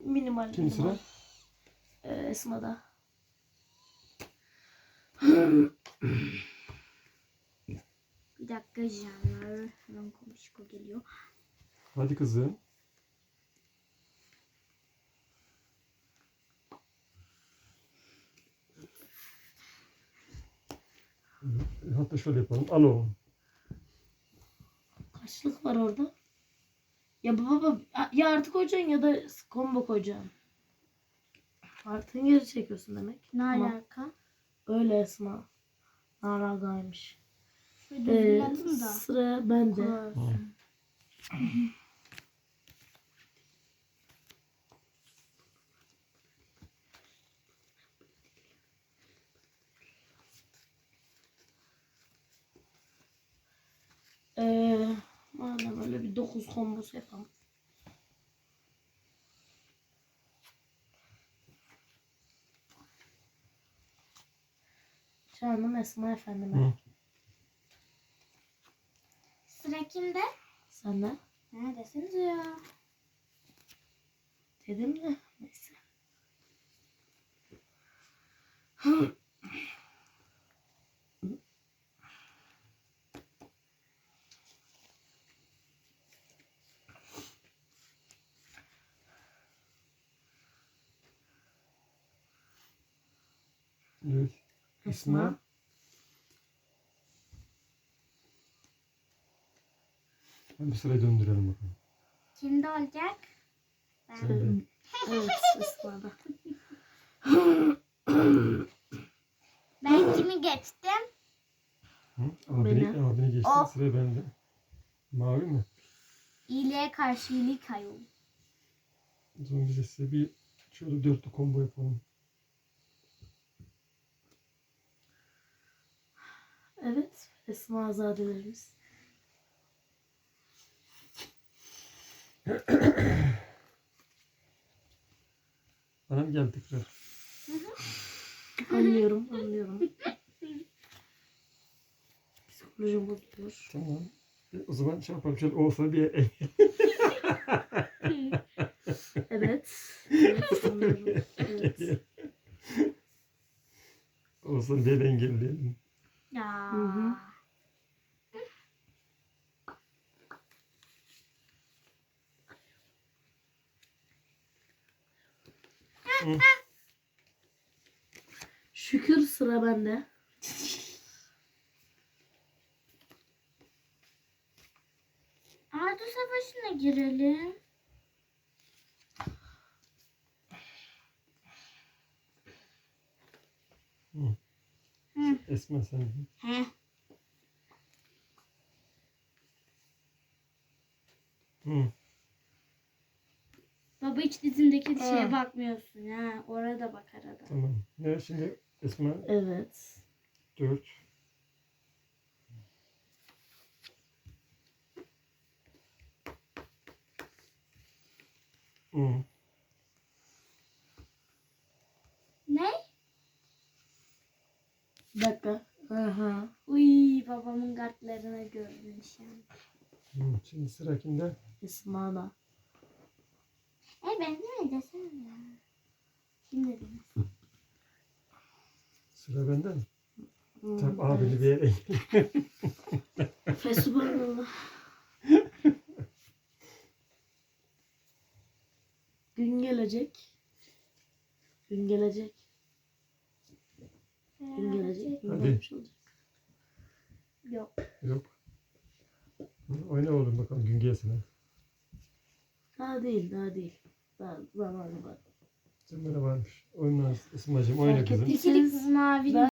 Minimal. Kim sıra? Esma'da. Bir dakika canlar. Hemen komşu geliyor. Hadi kızım. Hatta şöyle yapalım. Al oğlum. Kaçlık var orada? Ya baba ya artı koyacaksın ya da combo koyacaksın. Artın geri çekiyorsun demek. Ne Ama alaka? öyle Esma. Naragaymış. Şöyle düzledim da. Sıra bende. Olsun. Madem öyle bir 9 kombosu yapalım. Canım Esma efendime. Hı. Sıra kimde? Senden. Neredesiniz ya? Dedim de neyse. Evet. Esma. Esma. Hadi bir sırayı döndürelim bakalım. Kimde olacak? Sen de. Evet Esma'da. Ben kimi geçtim? Hı? Beni. Abini geçti. Oh. Sıra bende. Mavi mi? İyiliğe karşı iyilik ayol. O zaman biz de size bir şöyle dörtlü combo yapalım. Evet. Esma azadelerimiz. Bana mı geldi tekrar? Anlıyorum. Psikolojim bozuluyor. Tamam. O zaman şey yapalım. Şöyle olsa bir Evet. Evet anlıyorum. Evet. olsa bir engelleyelim. Ya. Hı. Hı. Şükür sıra bende. Ardu Savaşı'na girelim. Hı. Hı. Esma sen. He. Hı. Baba hiç dizindeki şeye Ah. bakmıyorsun ha. Orada bak arada. Tamam. Ne şimdi Esma? Evet. 4. Hı. Ne? Bir dakika. Aha. Uy babamın kartlarını görmüş yani. Hı. Şimdi sıra kimde? Esma'da. Ben de mi desem ya? Kim dediniz? Sıra bende mi? Hı, Tamam abini bir yere Fesubhanallah. Gün gelecek. Gün gelecek. Gün gelecek. Gün Hadi. gelmiş olacak. Yok. Yok. Hı, oyna oğlum bakalım gün gelsin. Daha değil. Daha zamanı var. Sen bana varmış. Oyna Esma'cığım oyna Fark kızım. ettiyseniz İkilik mavi ben